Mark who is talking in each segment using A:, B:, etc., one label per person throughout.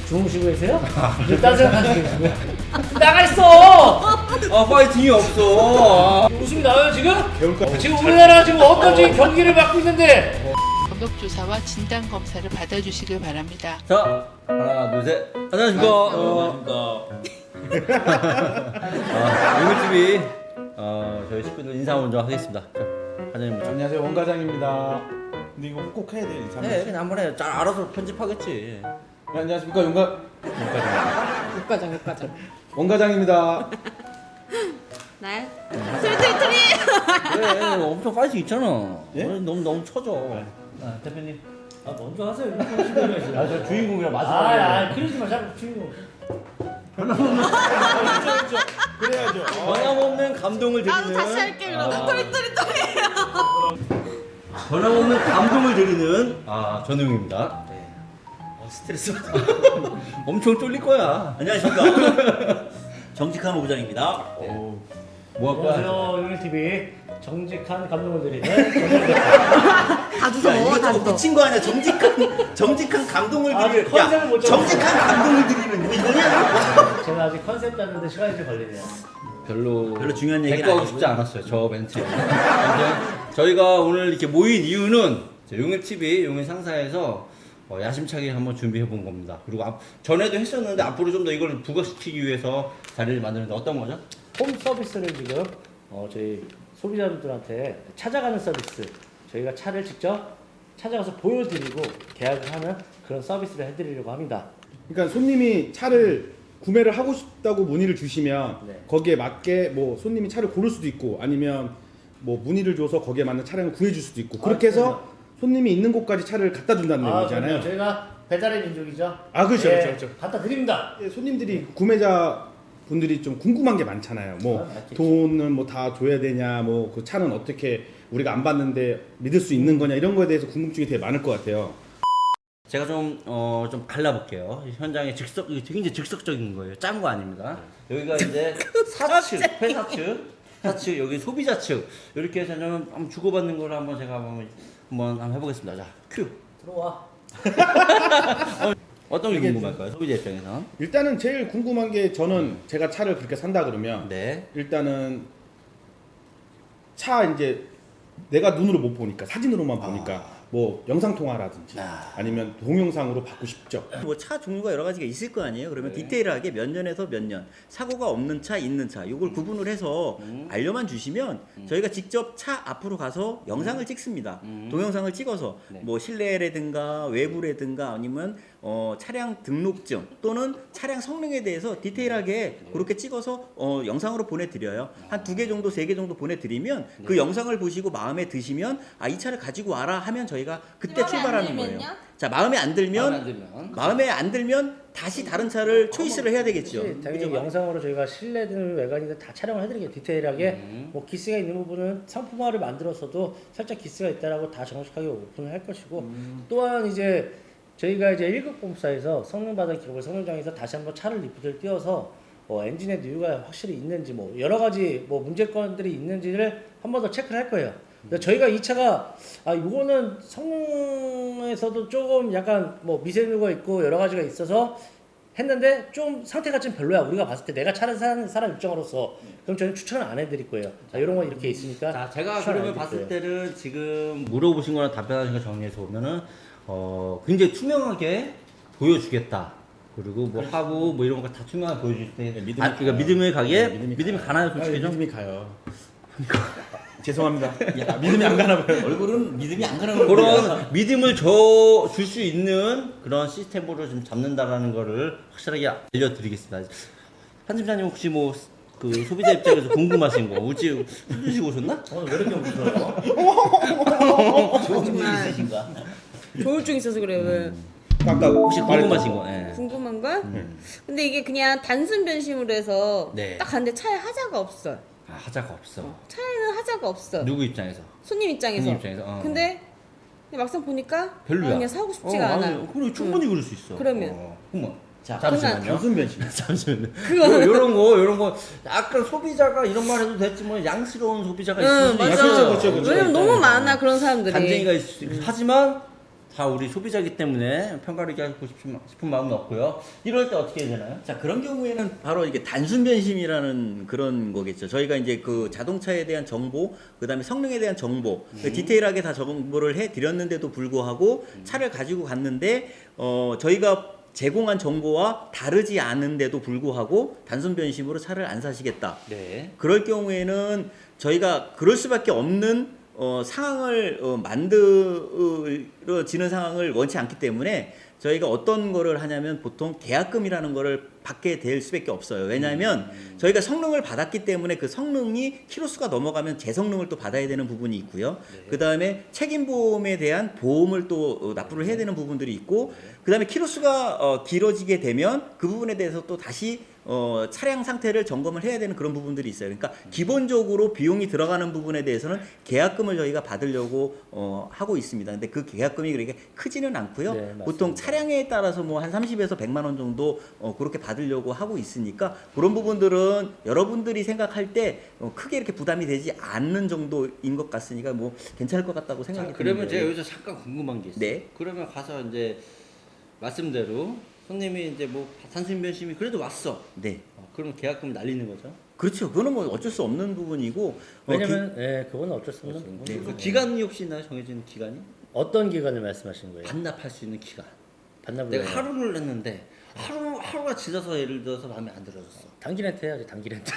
A: 주무시고 계세요? 딴 생각하시고 계시고요. 나가 있어!
B: 아 파이팅이 없어.
A: 웃음이 나와요 지금? 지금 우리나라 지금 어떤 지금 경기를 맡고 있는데
C: 검역조사와 진단검사를 받아주시길 바랍니다.
B: 자 하나 둘 셋. 안녕하십니까. 용일TV 저희 식구들 인사 먼저 하겠습니다. 자, 과장님 먼저.
D: 안녕하세요, 원 과장입니다. 근데 이거 꼭 해야 돼, 인사.
B: 네, 그냥 한번 해. 잘 알아서 편집하겠지.
D: 네, 안녕하십니까,
E: 육과장.
D: 원 과장입니다.
E: 나야? 트리트리!
B: 그래, 엄청 파이팅 있잖아.
D: 예?
B: 너무 쳐져.
A: 대표님 먼저 하세요. 이거
B: 저 주인공이라
A: 그러지 마 자꾸 주인공.
D: 그래야죠.
B: 변함없는 감동을 드리는.
E: 나도 다시 할게 그럼. 트리트리!
B: 변함없는 감동을 드리는 전우용입니다. 스트레스 받아. 엄청 쫄릴 거야.
F: 안녕하십니까. 정직한 오부장입니다.
B: 뭐 할까?
A: 안녕하세요 용일TV 정직한 감동을 드리는
E: 다 주워,
F: 이거
E: 다
F: 좀
E: 주워.
F: 미친 거 아니야? 정직한 감동을
A: 아직
F: 드리는.
A: 컨셉을 못 잡았어.
F: 정직한 감동을 드리는 뭐 이거냐?
A: 제가 아직 컨셉 잡는데 시간이 좀 걸리네요.
F: 별로 중요한 얘기는
B: 대꾸하고
F: 아니고요.
B: 싶지 않았어요. 저 멘트. 아무튼 저희가 오늘 이렇게 모인 이유는 용일TV 용일 상사에서 야심차게 한번 준비해 본 겁니다. 그리고 전에도 했었는데 앞으로 좀 더 이걸 부각시키기 위해서 자리를 만드는데 어떤 거죠?
A: 홈 서비스를 지금 저희 소비자분들한테 찾아가는 서비스, 저희가 차를 직접 찾아가서 보여드리고 계약을 하는 그런 서비스를 해드리려고 합니다.
D: 그러니까 손님이 차를 구매를 하고 싶다고 문의를 주시면
A: 네.
D: 거기에 맞게 뭐 손님이 차를 고를 수도 있고 아니면 뭐 문의를 줘서 거기에 맞는 차량을 구해줄 수도 있고 그렇게 해서 손님이 있는 곳까지 차를 갖다 준다는 내용이잖아요.
A: 그럼요. 저희가 배달의 민족이죠.
D: 그렇죠,
A: 예,
D: 그렇죠.
A: 갖다 드립니다.
D: 예, 손님들이 구매자 분들이 좀 궁금한 게 많잖아요. 뭐
A: 맞겠지.
D: 돈은 뭐 다 줘야 되냐, 뭐 그 차는 어떻게 우리가 안 봤는데 믿을 수 있는 거냐 이런 거에 대해서 궁금증이 되게 많을 것 같아요.
B: 제가 좀 갈라볼게요. 현장에 이게 굉장히 즉석적인 거예요. 짠 거 아닙니다. 여기가 이제 사측, 회사측, 여기 소비자 측 이렇게 해서 좀 한번 주고받는 걸 제가 한번 해보겠습니다. 자, 큐.
A: 들어와.
B: 어떤 게 궁금할까요? 소비자 입장에서.
D: 일단은 제일 궁금한 게 저는 제가 차를 그렇게 산다 그러면
B: 네.
D: 일단은 차 이제 내가 눈으로 못 보니까 사진으로만 보니까 뭐 영상 통화라든지 아니면 동영상으로 받고 싶죠.
F: 뭐 차 종류가 여러 가지가 있을 거 아니에요. 그러면 디테일하게 몇 년에서 몇 년 사고가 없는 차, 있는 차 이걸 구분을 해서 알려만 주시면 저희가 직접 차 앞으로 가서 영상을 찍습니다. 동영상을 찍어서 뭐 실내라든가 외부라든가 아니면 차량 등록증 또는 차량 성능에 대해서 디테일하게 그렇게 찍어서 영상으로 보내드려요. 한 2개 정도, 3개 정도 보내드리면 그 영상을 보시고 마음에 드시면 이 차를 가지고 와라 하면 저희가 그때 출발하는 거예요. 자, 마음에 안 들면 다시 다른 차를 초이스를 해야 되겠죠.
A: 당연히
F: 그죠?
A: 영상으로 저희가 실내든 외관이든 다 촬영을 해드리게 디테일하게 뭐 기스가 있는 부분은 상품화를 만들어서도 살짝 기스가 있다라고 다 정식하게 오픈을 할 것이고 또한 이제 저희가 이제 1급 공사에서 성능 받은 기록을 성능장에서 다시 한번 차를 리프트를 띄워서 엔진의 누유가 확실히 있는지 뭐 여러 가지 뭐 문제건들이 있는지를 한 번 더 체크를 할 거예요. 근데 저희가 이 차가 이거는 성능에서도 조금 약간 뭐 미세누가 있고 여러 가지가 있어서 했는데 좀 상태가 좀 별로야. 우리가 봤을 때 내가 차를 사는 사람 입장으로서 그럼 저는 추천을 안 해드릴 거예요. 자, 이런 거 이렇게 있으니까.
B: 자, 제가
A: 추천 안
B: 그러면
A: 해드릴
B: 봤을
A: 거예요.
B: 때는 지금 물어보신 거랑 답변하신 거 정리해서 보면은 굉장히 투명하게 보여주겠다. 그리고 뭐 하고 뭐 이런 거 다 투명하게 보여줄 때 그러니까 믿음을 가게 믿음이 가나요, 솔직히 좀?
D: 믿음이 가요. 죄송합니다. 믿음이 안 가나 봐요.
F: 얼굴은 믿음이 안 가는 거예요.
B: 그런 믿음을 줄 수 있는 그런 시스템으로 좀 잡는다라는 거를 확실하게 알려드리겠습니다. 편집자님 혹시 뭐 그 소비자 입장에서 궁금하신 거 우지 술 드시고 오셨나?
A: 왜 이렇게 웃어요?
F: 좋은 일 있으신가?
E: 조울증 있어서 그래, 왜.
D: 아까
B: 혹시 궁금하신 거? 예.
E: 궁금한 거? 근데 이게 그냥 단순 변심으로 해서
B: 네.
E: 딱 갔는데 차에 하자가 없어.
B: 하자가 없어.
E: 차에는 하자가 없어.
B: 누구 입장에서?
E: 손님 입장에서.
B: 손님 입장에서,
E: 근데 막상 보니까
B: 별로야.
E: 그냥 사고 싶지가 않아.
B: 그래 충분히 그럴 수 있어.
E: 그러면.
B: 어머.
F: 자,
B: 잠시만요.
D: 단순 변심.
B: 잠시만요.
E: 그거는-
B: 요런 거 약간 소비자가 이런 말 해도 됐지만 양스러운 소비자가 있을 수도
E: 맞아.
B: 있어요.
D: 그렇죠.
E: 왜냐면 너무 많아 그런 사람들이.
B: 간쟁이가 하지만 다 우리 소비자이기 때문에 평가를 하고 싶은 마음은 없고요. 이럴 때 어떻게 해야 되나요?
F: 자, 그런 경우에는 바로 이게 단순 변심이라는 그런 거겠죠. 저희가 이제 그 자동차에 대한 정보, 그다음에 성능에 대한 정보, 디테일하게 다 정보를 해 드렸는데도 불구하고 차를 가지고 갔는데 저희가 제공한 정보와 다르지 않은데도 불구하고 단순 변심으로 차를 안 사시겠다.
B: 네.
F: 그럴 경우에는 저희가 그럴 수밖에 없는 상황을 만들어지는 상황을 원치 않기 때문에 저희가 어떤 거를 하냐면 보통 계약금이라는 거를 받게 될 수밖에 없어요. 왜냐하면 저희가 성능을 받았기 때문에 그 성능이 키로수가 넘어가면 재성능을 또 받아야 되는 부분이 있고요. 그 다음에 책임보험에 대한 보험을 또 납부를 해야 되는 부분들이 있고, 그 다음에 키로수가 길어지게 되면 그 부분에 대해서 또 다시 차량 상태를 점검을 해야 되는 그런 부분들이 있어요. 그러니까 기본적으로 비용이 들어가는 부분에 대해서는 계약금을 저희가 받으려고 하고 있습니다. 근데 그 계약금이 그렇게 크지는 않고요.
A: 네, 맞습니다.
F: 보통 차량에 따라서 뭐 한 30에서 100만 원 정도 그렇게 받으려고 하고 있으니까 그런 부분들은 여러분들이 생각할 때 크게 이렇게 부담이 되지 않는 정도인 것 같으니까 뭐 괜찮을 것 같다고 생각이 듭니다.
B: 그러면 제가 여기서 잠깐 궁금한 게 있어요.
F: 네.
B: 그러면 가서 이제 말씀대로 손님이 이제 뭐 단순 변심이 그래도 왔어.
F: 네.
B: 그럼 계약금 날리는 거죠?
F: 그렇죠. 그거는 뭐 어쩔 수 없는 부분이고
A: 왜냐면 그건 어쩔 수 없는 부분이고.
B: 그 기간이 혹시 있나요? 정해진 기간이?
A: 어떤 기간을 말씀하시는 거예요?
B: 반납할 수 있는 기간.
A: 반납을
B: 내가
A: 해요.
B: 하루를 냈는데 하루가 지나서 예를 들어서 마음에 안 들어졌어.
A: 단기 렌트 해야지, 단기 렌트.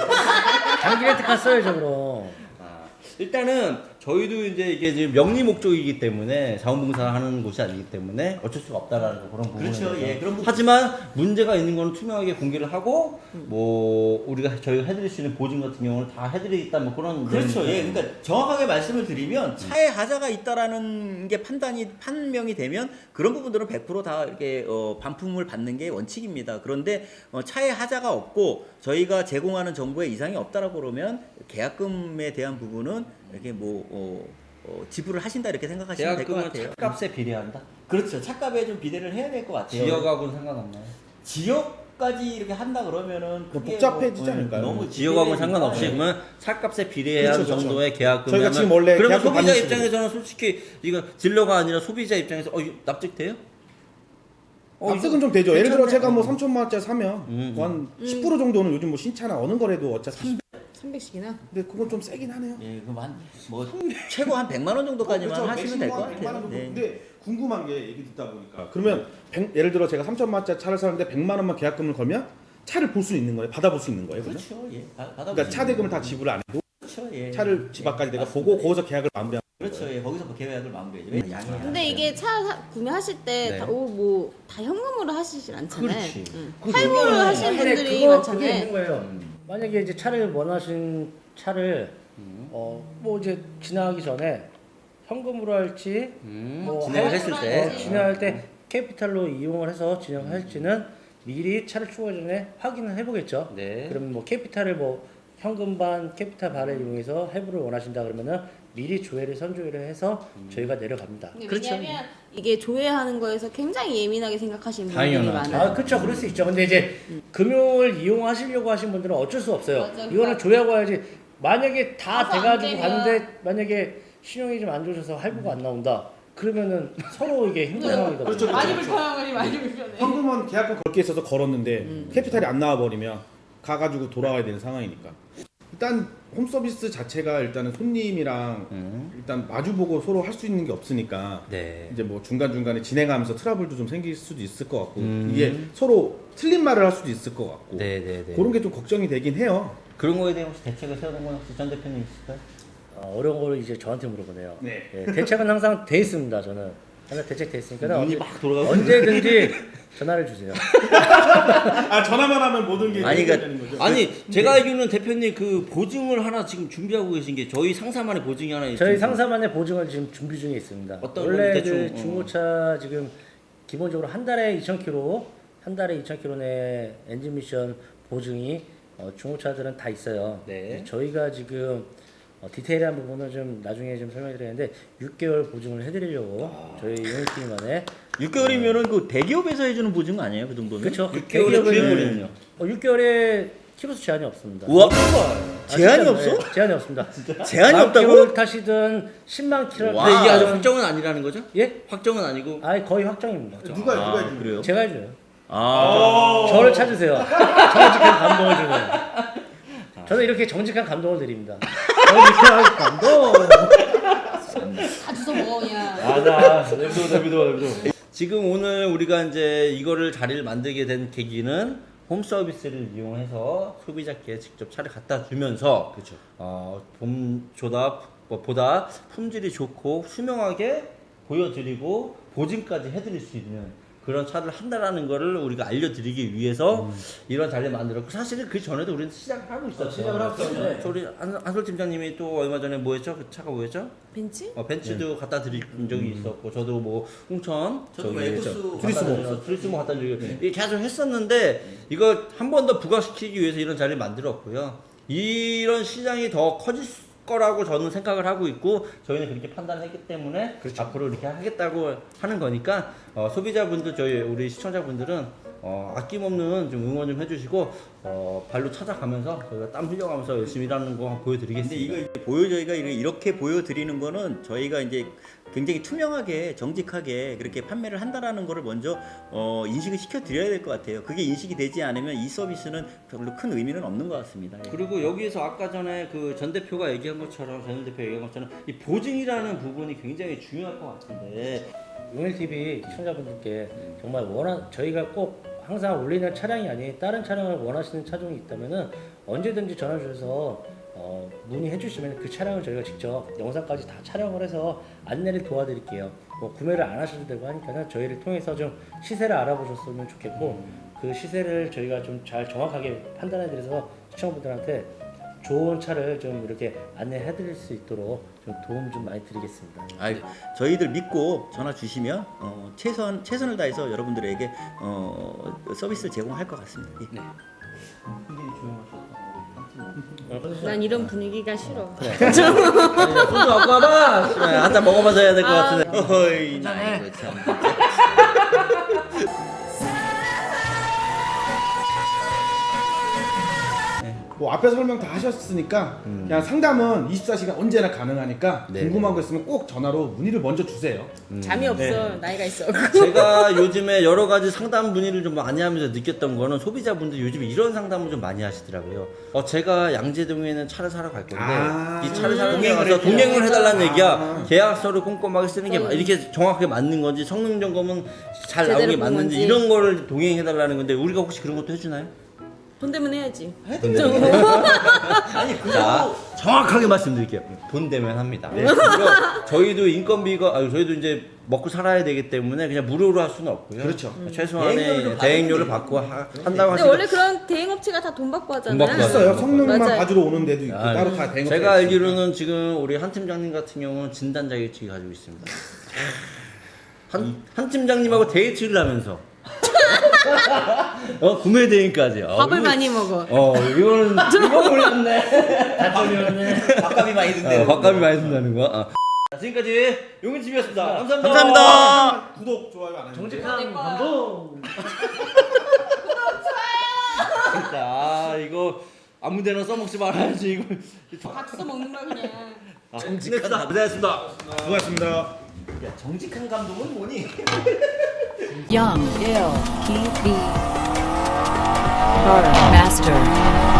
A: 단기 렌트 갔어야죠 그럼.
B: 일단은 저희도 이제 이게 지금 명리 목적이기 때문에 자원봉사하는 곳이 아니기 때문에 어쩔 수가 없다라는 그런 부분에
F: 그렇죠.
B: 대해서.
F: 예, 그런 부분.
B: 하지만 문제가 있는 거는 투명하게 공개를 하고 뭐 저희가 해드릴 수 있는 보증 같은 경우는 다 해드리겠다 뭐 그런.
F: 그렇죠.
B: 내용이니까.
F: 예, 그러니까 정확하게 말씀을 드리면 차에 하자가 있다라는 게 판명이 되면 그런 부분들은 100%다 이렇게 반품을 받는 게 원칙입니다. 그런데 차에 하자가 없고 저희가 제공하는 정보에 이상이 없다라고 그러면 계약금에 대한 부분은 이렇게 뭐 지불을 하신다 이렇게 생각하시면 될 것
B: 계약금은
F: 같아요.
B: 차값에 비례한다.
F: 그렇죠. 차값에 좀 비례를 해야 될 것 같아요.
B: 지역하고는 상관없나요?
F: 지역까지 이렇게 한다 그러면은
D: 그
F: 그게
D: 복잡해지지 않을까요?
F: 너무
B: 지역하고는
F: 지배되니까.
B: 상관없이
F: 네.
B: 그러면 차값에 비례한
D: 그렇죠, 그렇죠.
B: 정도의 계약금이면
D: 저희가 지금 원래
B: 그러면
D: 계약금
B: 소비자
D: 받는
B: 입장에서는 솔직히 이거 딜러가 아니라 소비자 입장에서 이거 납득돼요?
D: 납득은 좀 되죠. 예를 들어
B: 괜찮네.
D: 제가 뭐 3천만 원짜리 사면 뭐 한 10% 정도는 요즘 뭐 신차나 어느 거래도 어차피
E: 300씩이나?
D: 근데 그건 좀 세긴 하네요.
F: 예, 그럼 뭐 최고 한 100만 원 정도까지만
D: 그렇죠.
F: 하시면 될 것
D: 맥시멈 100만 원
F: 같아요.
D: 정도.
F: 네.
D: 근데 궁금한 게 얘기 듣다 보니까 그러면 예를 들어 제가 3천만 원짜리 차를 사는데 100만 원만 계약금을 걸면 차를 볼 수 있는 거예요? 받아볼 수 있는 거예요? 그러면?
F: 그렇죠. 예. 받아
D: 그러니까 차 대금을 다 지불 안 해도
F: 그렇죠. 예.
D: 차를 집 앞까지 내가 보고 거기서 계약을 마무리하는
F: 그렇죠. 예. 거기서 뭐 계약을 마무리해야죠. 양이
E: 근데 이게 차 구매하실 때
B: 네.
E: 다 현금으로 하시진 않잖아요.
B: 그렇지.
E: 할부를 하시는
A: 근데
E: 분들이
A: 그게
E: 많잖아요.
A: 있는 거예요. 만약에 이제 차를 원하신 차를 뭐 이제 지나가기 전에 현금으로 할지 뭐
B: 진행을 했을 때
A: 진행할 때 캐피탈로 이용을 해서 진행할지는 미리 차를 출고하기 전에 확인을 해보겠죠.
B: 네.
A: 그러면 뭐 캐피탈을 뭐 현금 반 캐피탈 반을 이용해서 할부를 원하신다 그러면은 미리 조회를 선조회를 해서 저희가 내려갑니다.
F: 그렇죠.
E: 왜냐면 이게 조회하는 거에서 굉장히 예민하게 생각하시는 분들이
B: 당연하죠.
E: 많아요.
A: 아, 그렇죠. 그럴 수 있죠. 근데 이제 금융을 이용하시려고 하신 분들은 어쩔 수 없어요.
E: 맞아,
A: 이거는 조회하고 와야지. 만약에 다
E: 가서 안
A: 돼가지고
E: 되면.
A: 갔는데 만약에 신용이 좀 안 좋으셔서 할부가 안 나온다. 그러면은 서로 이게 힘든 상황이거든요.
D: 그렇죠.
E: 많이 불편하니 많이 불편해.
D: 현금은 계약금 걸게 있어서 걸었는데 캐피탈이 안 나와 버리면 가가지고 돌아와야 되는 상황이니까 일단 홈서비스 자체가 일단은 손님이랑 일단 마주보고 서로 할 수 있는 게 없으니까
B: 네.
D: 이제 뭐 중간중간에 진행하면서 트러블도 좀 생길 수도 있을 것 같고 이게 서로 틀린 말을 할 수도 있을 것 같고
B: 네네네.
D: 그런 게 좀 걱정이 되긴 해요.
B: 그런 거에 대해 혹시 대책을 세우는 건 혹시 전 대표님 있을까요?
A: 어려운 거를 이제 저한테 물어보네요.
D: 네.
A: 예, 대책은 항상 돼 있습니다. 저는 하나 대책 돼 있으니까
B: 눈이 막 돌아가고
A: 언제든지 전화를 주세요.
D: 아 전화만 하면 모든 게
F: 아니,
D: 해결되는 거죠.
B: 아니 제가 알기로는 대표님 그 보증을 하나 지금 준비하고 계신 게 저희 상사만의 보증이 하나 있어요.
A: 저희 상사만의 보증을 지금 준비 중에 있습니다.
B: 어떤
A: 원래
B: 건지 대충,
A: 그 중고차 지금 기본적으로 한 달에 2,000km 내 엔진 미션 보증이 중고차들은 다 있어요.
B: 네.
A: 저희가 지금 디테일한 부분은 좀 나중에 좀 설명드리는데 6개월 보증을 해드리려고 저희 유니티만에
F: 6개월이면은 그 대기업에서 해주는 보증 아니에요? 그 정도면?
A: 그렇죠.
B: 6개월에 주행거리는요?
A: 6개월에 키로수 제한이 없습니다.
B: 우와.
F: 제한이
A: 진짜,
F: 없어?
A: 네, 제한이 없습니다.
F: 제한이 없다고?
A: 킬로를 타시든 10만 킬로.
F: 와.
B: 근데 이게 아직 확정은 아니라는 거죠?
A: 예?
B: 확정은 아니고.
A: 아니 거의 확정입니다.
D: 누가 해주는
F: 그래요?
A: 제가 해줘요.
F: 아,
A: 저를 찾으세요. 정직한 감동을 주는. 저는 이렇게 정직한 감동을 드립니다. 정직한 감동.
E: 다 주워 먹어 그냥.
B: 아나 내비둬. 지금 오늘 우리가 이제 이거를 자리를 만들게 된 계기는 홈 서비스를 이용해서 소비자께 직접 차를 갖다 주면서
D: 그렇죠.
B: 보다 품질이 좋고 투명하게 보여드리고 보증까지 해드릴 수 있는 그런 차를 한다라는 거를 우리가 알려드리기 위해서 이런 자리를 만들었고 사실은 그 전에도 우리는 시작을 하고 있었어요.
A: 시작을 하고 있었는데.
B: 우리 한솔 팀장님이 또 얼마 전에 뭐였죠? 그 차가 뭐였죠?
E: 벤치?
B: 벤츠도 갖다 드린 적이 있었고 저도 뭐 홍천
F: 저도
B: 저기
F: 에쿠스
B: 트리스모 갖다 드리고 이게 계속 했었는데 이거 한 번 더 부각시키기 위해서 이런 자리를 만들었고요. 이런 시장이 더 커질 거라고 저는 생각을 하고 있고 저희는 그렇게 판단했기 때문에 앞으로 이렇게 하겠다고 하는 거니까 소비자분들 저희 우리 시청자분들은 아낌없는 좀 응원 좀 해주시고 발로 찾아가면서 저희가 땀 흘려가면서 열심히 일하는 거 한번 보여드리겠습니다.
F: 근데 저희가 이렇게 보여드리는 거는 저희가 이제 굉장히 투명하게 정직하게 그렇게 판매를 한다라는 거를 먼저 인식을 시켜드려야 될 것 같아요. 그게 인식이 되지 않으면 이 서비스는 별로 큰 의미는 없는 것 같습니다. 예.
B: 그리고 여기에서 아까 전에 그 전 대표가 얘기한 것처럼 전 대표 얘기한 것처럼 이 보증이라는 부분이 굉장히 중요할 것 같은데
A: 용일TV 시청자분들께 정말 저희가 꼭 항상 올리는 차량이 아닌 다른 차량을 원하시는 차종이 있다면은 언제든지 전화 주셔서 문의해 주시면 그 차량을 저희가 직접 영상까지 다 촬영을 해서 안내를 도와드릴게요. 뭐 구매를 안 하셔도 되고 하니까는 저희를 통해서 좀 시세를 알아보셨으면 좋겠고 그 시세를 저희가 좀 잘 정확하게 판단해 드려서 시청자분들한테 좋은 차를 좀 이렇게 안내해 드릴 수 있도록 좀 도움 좀 많이 드리겠습니다.
F: 저희들 믿고 전화 주시면 최선을 다해서 여러분들에게 서비스를 제공할 것 같습니다. 예.
B: 네. 굉장히 조용하셨다.
E: 난 이런 분위기가 싫어.
B: 소주 갖고 와봐. 한잔 먹어봐서 해야 될 것 같은데.
F: 어이, 나 이거 참.
D: 뭐 앞에서 설명 다 하셨으니까 그냥 상담은 24시간 언제나 가능하니까
B: 네.
D: 궁금한 거 있으면 꼭 전화로 문의를 먼저 주세요.
E: 잠이 없어.
D: 네.
E: 나이가 있어.
B: 제가 요즘에 여러 가지 상담 문의를 좀 많이 하면서 느꼈던 거는 소비자분들 요즘에 이런 상담을 좀 많이 하시더라고요. 제가 양재동에는 차를 사러 갈 건데 이 차를 사러 가서 동행을 해달라는 얘기야. 계약서를 꼼꼼하게 쓰는 게 이렇게 정확하게 맞는 건지 성능 점검은 잘 나오는 게
E: 제대로 본
B: 맞는지
E: 건지.
B: 이런 거를 동행해달라는 건데 우리가 혹시 그런 것도 해주나요?
E: 돈 되면 해야지.
B: 아니 그거 정확하게 말씀드릴게요. 돈 되면 합니다. 그리고 저희도 인건비가 저희도 이제 먹고 살아야 되기 때문에 그냥 무료로 할 수는 없고요.
D: 그렇죠.
B: 최소한의 대행료를 받고 한다고
E: 근데
B: 하시면
E: 원래 그런 대행업체가 다 돈 받고 하잖아요.
B: 돈 받고
D: 있어요. 성능만
E: 맞아요.
D: 봐주러 오는 데도 있고 따로 다 대응.
B: 제가 알기로는 지금 우리 한 팀장님 같은 경우는 진단 자격증이 가지고 있습니다. 한 팀장님하고 데이트를 하면서 구매 대행까지.
E: 밥을 많이 먹어.
B: 이거 몰랐네.
F: 밥값이 많이 든대요.
B: 밥값이 많이 든다는 거. 지금까지 용인TV였습니다. 감사합니다.
F: 감사합니다.
D: 구독 좋아요 안 하시면
A: 정직한 감동.
B: 진짜 이거 아무데나 써먹지 말아야지 이거.
E: 다 주워 먹는 거야 그냥.
B: 정직하다. 고생하셨습니다.
D: 수고하셨습니다.
F: 야, 정직한 감독은 뭐니?
G: Young, ill, Keith B. Master.